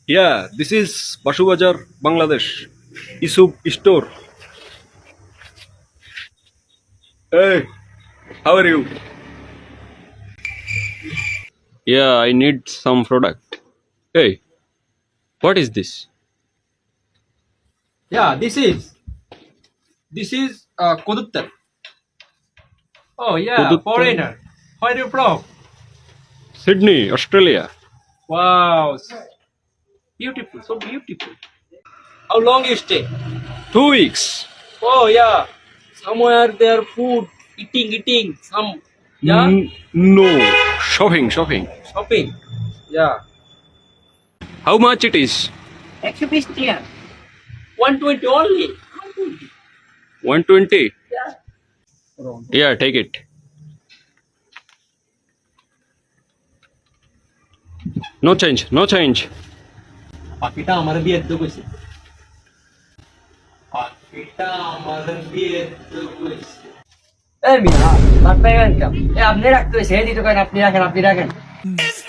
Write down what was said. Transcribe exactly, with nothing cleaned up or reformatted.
Yeah, this is Bashu Bazar, Bangladesh. Isub store. Hey, how are you? Yeah, I need some product. Hey, what is this? Yeah, this is this is uh, Koduttar. Oh yeah, Koduttal, foreigner. Where are you from? Sydney, Australia. Wow, s- beautiful, so beautiful. How long you stay? Two weeks. Oh yeah, somewhere there food, eating, eating, some yeah, N- no, shopping, shopping. shopping. Yeah, How much it is? exhibition. One twenty only. one twenty. Yeah. Yeah, take it. No change, no change. পাখিটা আমার বিয়ে তো কইছে পাখিটা আমার বিয়ে তো কইছে এই মিয়া, ভাত পাইবেন কেন? এ আপনি রাখতে হয়েছে, এই দিতে করেন, আপনি রাখেন, আপনি রাখেন।